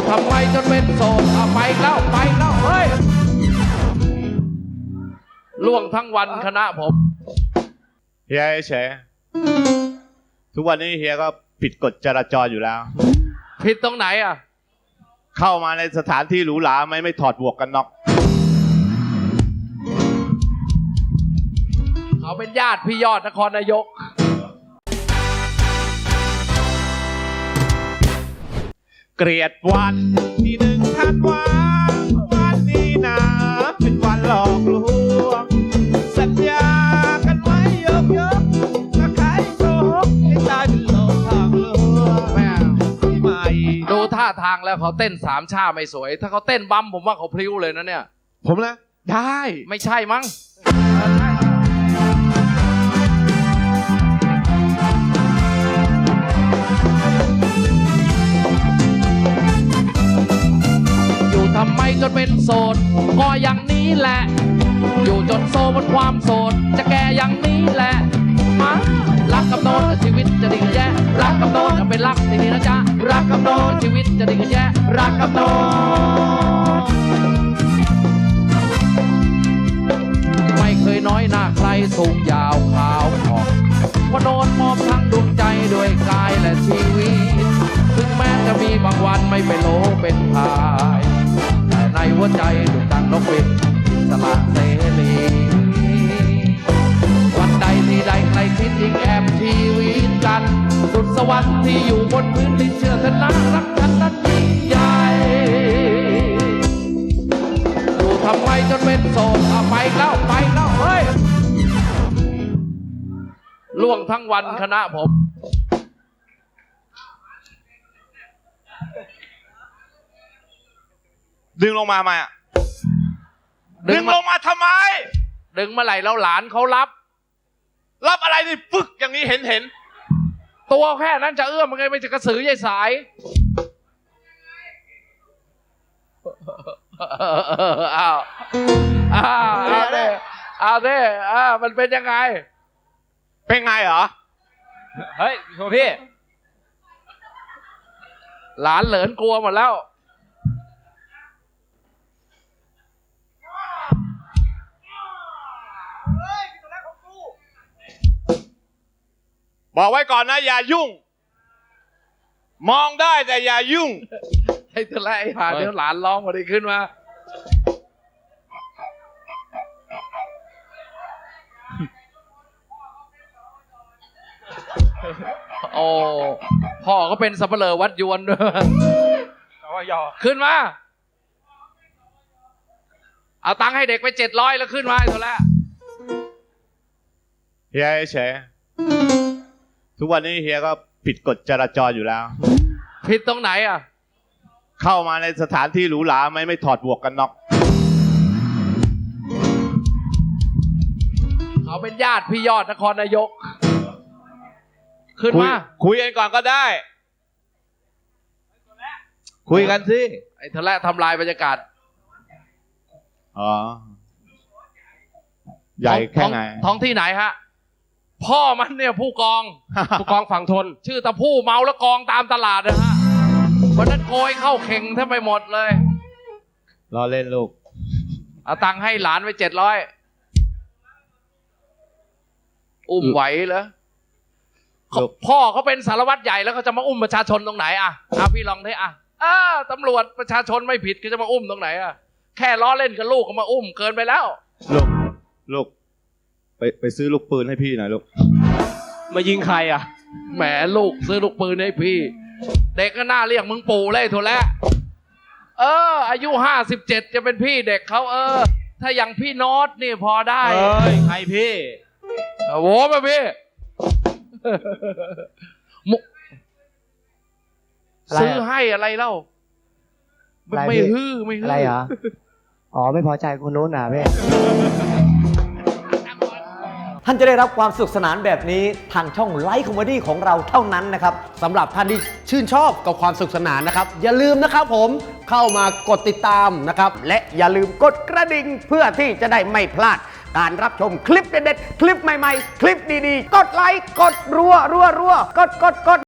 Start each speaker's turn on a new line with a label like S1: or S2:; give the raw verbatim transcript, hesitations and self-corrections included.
S1: ทำไมจนเป็นโสดเอาไปแล้วไปแล้วเฮ้ยล่วงทั้งวันคณะผม
S2: เฮียเฉยทุกวันนี้เฮียก็ผิดกฎจราจรอยู่แล้ว
S1: ผิดตรงไหนอ่ะ
S2: เข้ามาในสถานที่หรูหราไม่ไม่ถอดหมวกกันน็อก
S1: เขาเป็นญาติพี่ยอดนครนายก
S2: เกลียดวันที่หนึ่งธันวาวันนี้นะเป็นวันหลอกลวงสัญญากันไว้เยอะๆถ้าใครโกหกให้ตายเป็นโลกทางลวงแม่ที่ใหม่
S1: ดูท่าทางแล้วเขาเต้นสามชาไม่สวยถ้าเขาเต้นบัมผมว่าเขาพลิ้วเลยนะเนี่ย
S2: ผมนะได้
S1: ไม่ใช่มั้งทำไมจนเป็นโสดก็อย่างนี้แหละอยู่จนโซบนความโสดจะแก่อย่างนี้แหละมารักกับโดนชีวิตจะดีกันแย่รักกับโดนจะเป็นรักดีๆนะจ๊ะรักกับโดนชีวิตจะดีกันแย่รักกับโดนไม่เคยน้อยหน้าใครสูงยาวขาวผ่องเพราะโดนมอบทั้งดวงใจด้วยกายและชีวิตถึงแม้จะมีบางวันไม่เป็นโลเป็นพายในหัวใจดุจดังนกบินสละเสรีวันใดที่ใดใครคิดยิ่งแอบชีวิตกันสุดสวรรค์ที่อยู่บนพื้นดินเชื่อเถอะนะรักกันนั้นยิ่งใหญ่อยู่ทำไมจนเป็นโสดเอาไปแล้วไปแล้วเฮ้ยล่วงทั้งวันคณะผม
S2: ดึงลงมาไหมอ่ะดึงลงมาทำไม
S1: ดึงเมื่อไหร่แล้วหลานเขารับ
S2: รับอะไรนี่ฟึกอย่างนี้เห็นเห็น
S1: ตัวแค่นั้นจะเอื้อมมันไงไม่จะกระสือใหญ่สายอ้าวอ้าวเอาเด้เอาเด้อ่ามันเป็นยังไง
S2: เป็นไงเหรอ
S1: เฮ้ยโทพี่หลานเหลินกลัวหมดแล้ว
S2: บอกไว้ก่อนนะอย่ายุ่งมองได้แต่อย่ายุ่ง
S1: ให้เธอไล่หาเดี๋ยวหลานร้องมาดีขึ้นมาโอ้พ่อก็เป็นสับเปลือวัดยวนด้วยขึ้นมาเอาตังค์ให้เด็กไปเจ็ดร้อยแล้วขึ้นมาไอ้ตัวแล้ว
S2: เฮียเฉยทุกวันนี้เฮียก็ผิดกฎจราจรอยู่แล้ว
S1: ผิดตรงไหนอ่ะ
S2: เข้ามาในสถานที่หรูหราไม่ไม่ถอดหมวกกันน็อก
S1: เขาเป็นญาติพี่ยอดนครนายกขึ้นมา
S2: คุยกันก่อนก็ได้คุยกันสิ
S1: ไอ้ทะเลทำลายบรรยากาศ
S2: อ๋อใหญ่แค่ไหน
S1: ท้องที่ไหนฮะพ่อมันเนี่ยผู้กองผู้กองฝั่งทนชื่อตะผู้เมาแล้วกองตามตลาดนะฮะวันนั้นโกยเข้าเข่งแทบไปหมดเลย
S2: รอเล่นลูก
S1: เอาตังค์ให้หลานไปเจ็ดร้อยอุ้มไหวเหรอพ่อเขาเป็นสารวัตรใหญ่แล้วเขาจะมาอุ้มประชาชนตรงไหนอ่ะอ่ะพี่ลองดิอ่ะอ่าตำรวจประชาชนไม่ผิดก็จะมาอุ้มตรงไหนอ่ะแค่ล้อเล่นกับลูกก็มาอุ้มเกินไปแล้ว
S2: ลูกลูกไปไปซื้อลูกปืนให้พี่หน่อยลูก
S1: มายิงใครอ่ะแหมลูกซื้อลูกปืนให้พี่เด็กก็น่าเรียกมึงปู่เลยโถแล้วเอออายุห้าสิบเจ็ดจะเป็นพี่เด็กเขาเออถ้าอย่างพี่โน้ตนี่พอได้
S2: เอ้ยใครพี่
S1: โว้มาพี่ซื้อให้อะไรเล่าไม่ฮื้อไม่ฮื้อ
S3: อะไรเหรออ๋อไม่พอใจคนโน้นน่ะพี่ท่านจะได้รับความสนุกสนานแบบนี้ทางช่องไลฟ์คอมเมดี้ของเราเท่านั้นนะครับสำหรับท่านที่ชื่นชอบกับความสนุกสนานนะครับอย่าลืมนะครับผมเข้ามากดติดตามนะครับและอย่าลืมกดกระดิ่งเพื่อที่จะได้ไม่พลาดการรับชมคลิปเด็ดๆคลิปใหม่ๆคลิปดีๆกดไลค์กดรัวรัวรัวกดกดกด